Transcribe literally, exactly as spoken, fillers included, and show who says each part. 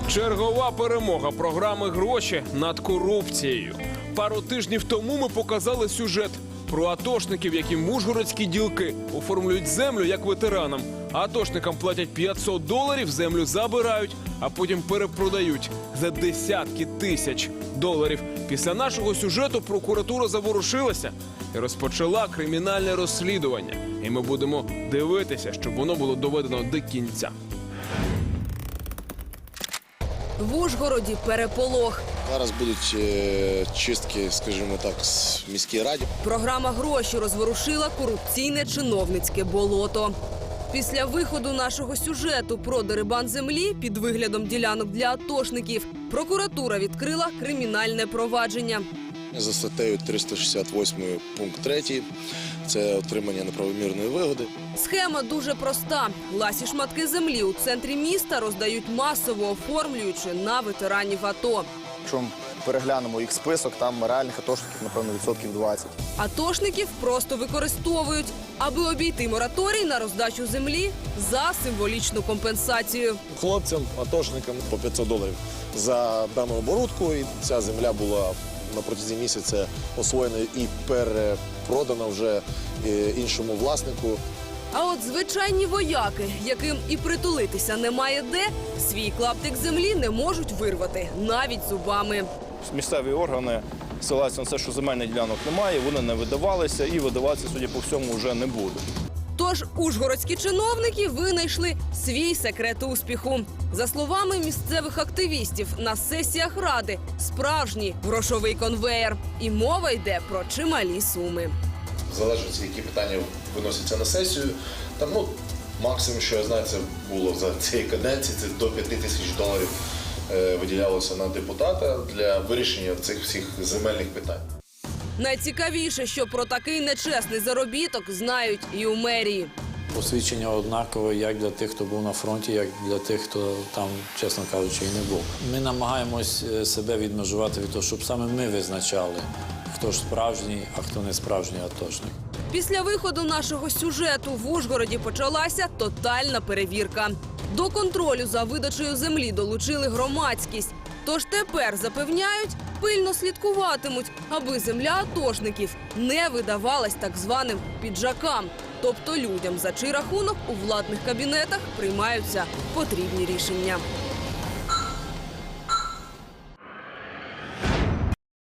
Speaker 1: Чергова перемога програми «Гроші» над корупцією. Пару тижнів тому ми показали сюжет про атошників, які ужгородські ділки оформлюють землю як ветеранам. Атошникам платять п'ятсот доларів, землю забирають, а потім перепродають за десятки тисяч доларів. Після нашого сюжету прокуратура заворушилася і розпочала кримінальне розслідування. І ми будемо дивитися, щоб воно було доведено до кінця.
Speaker 2: В Ужгороді переполох.
Speaker 3: Зараз будуть е, чистки, скажімо так, в міській раді.
Speaker 2: Програма «Гроші» розворушила корупційне чиновницьке болото. Після виходу нашого сюжету про дерибан землі під виглядом ділянок для атошників прокуратура відкрила кримінальне провадження.
Speaker 3: За статтею триста шістдесят восьмий пункт третій. Це отримання неправомірної вигоди.
Speaker 2: Схема дуже проста. Ласі шматки землі у центрі міста роздають масово, оформлюючи на ветеранів АТО.
Speaker 4: Якщо ми переглянемо їх список, там реальних атошників, напевно, відсотків двадцять.
Speaker 2: Атошників просто використовують, аби обійти мораторій на роздачу землі за символічну компенсацію.
Speaker 3: Хлопцям, атошникам по п'ятсот доларів за дану оборудку. І ця земля була на протязі місяця освоєна і перепродана вже іншому власнику.
Speaker 2: А от звичайні вояки, яким і притулитися немає де, свій клаптик землі не можуть вирвати, навіть зубами.
Speaker 4: Місцеві органи ссилаються на те, що земельних ділянок немає, вони не видавалися і видаватися, судя по всьому, вже не будуть.
Speaker 2: Тож ужгородські чиновники винайшли свій секрет успіху. За словами місцевих активістів, на сесіях Ради справжній грошовий конвеєр. І мова йде про чималі суми.
Speaker 3: Залежить, які питання виносяться на сесію. Там, ну, максимум, що я знаю, це було за цієї каденції, це до п'яти тисяч доларів е, виділялося на депутата для вирішення цих всіх земельних питань.
Speaker 2: Найцікавіше, що про такий нечесний заробіток знають і у мерії.
Speaker 5: Посвідчення однакове як для тих, хто був на фронті, як для тих, хто там, чесно кажучи, і не був. Ми намагаємось себе відмежувати від того, щоб саме ми визначали, хто ж справжній, а хто не справжній атошник.
Speaker 2: Після виходу нашого сюжету в Ужгороді почалася тотальна перевірка. До контролю за видачею землі долучили громадськість. Тож тепер, запевняють, пильно слідкуватимуть, аби земля атошників не видавалась так званим піджакам. Тобто людям, за чий рахунок у владних кабінетах приймаються потрібні рішення.